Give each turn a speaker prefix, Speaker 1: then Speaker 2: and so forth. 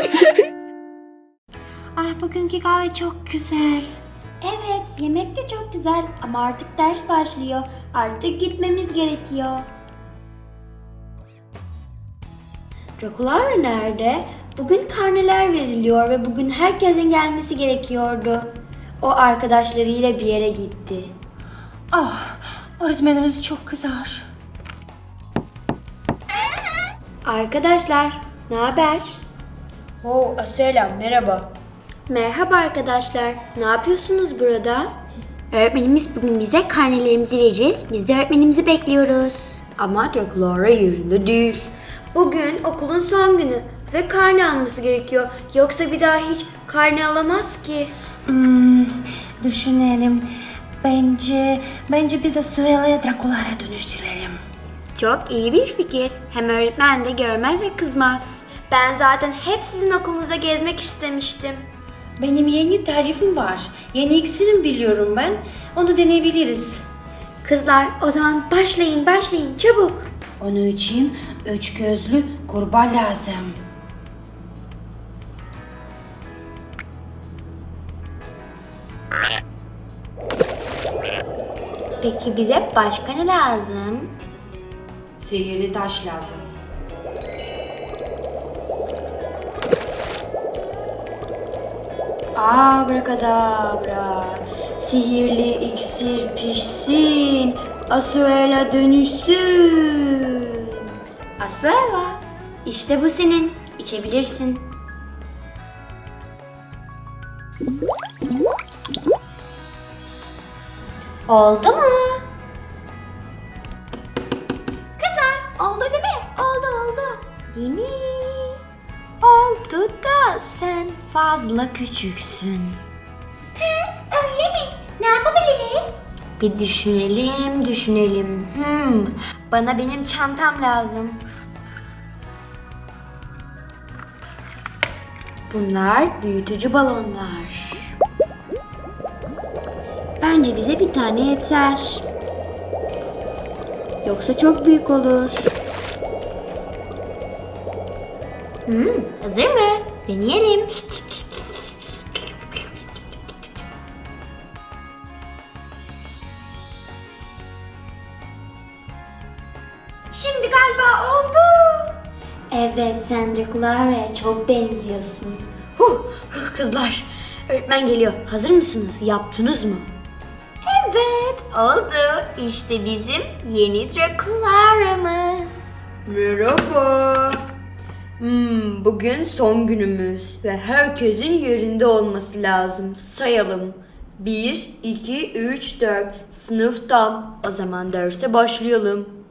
Speaker 1: Ah, bugünkü kahve çok güzel.
Speaker 2: Evet, yemek de çok güzel ama artık ders başlıyor. Artık gitmemiz gerekiyor. Drakulara nerede? Bugün karneler veriliyor ve bugün herkesin gelmesi gerekiyordu. O arkadaşlarıyla bir yere gitti.
Speaker 1: Ah, öğretmenimiz çok kızar.
Speaker 2: Arkadaşlar, ne haber?
Speaker 1: Selam, merhaba.
Speaker 2: Merhaba arkadaşlar. Ne yapıyorsunuz burada? Öğretmenimiz bugün bize karnelerimizi vereceğiz. Biz de öğretmenimizi bekliyoruz. Ama Drakulara yerinde değil. Bugün okulun son günü ve karne alması gerekiyor. Yoksa bir daha hiç karne alamaz ki.
Speaker 1: Düşünelim. Bence bize Süheyla'ya Drakulara dönüştürelim.
Speaker 2: Çok iyi bir fikir. Hem öğretmen de görmez ve kızmaz. Ben zaten hep sizin okulunuza gezmek istemiştim.
Speaker 1: Benim yeni tarifim var. Yeni iksirim biliyorum ben. Onu deneyebiliriz.
Speaker 2: Kızlar, o zaman başlayın çabuk.
Speaker 1: Onun için 3 gözlü kurbağa lazım.
Speaker 2: Peki bize başka ne lazım?
Speaker 1: Sihirli taş lazım.
Speaker 2: Abracadabra, sihirli iksir pişsin, Asuela dönüşsün. Asuela, işte bu senin, içebilirsin. Oldu mu? Kızlar, oldu değil mi? Oldu. Değil mi? Oldu da sen fazla küçüksün. Öyle mi? Ne yapabiliriz? Bir düşünelim. Bana benim çantam lazım. Bunlar büyütücü balonlar. Bence bize bir tane yeter. Yoksa çok büyük olur. Hazır mı? Deneyelim. Şimdi galiba oldu. Evet, sen Drakulara'ya çok benziyorsun. Kızlar, öğretmen geliyor. Hazır mısınız? Yaptınız mı? Evet, oldu. İşte bizim yeni Drakulara'mız. Merhaba. Bugün son günümüz ve herkesin yerinde olması lazım. Sayalım. 1, 2, 3, 4. Sınıf tam. O zaman derse başlayalım.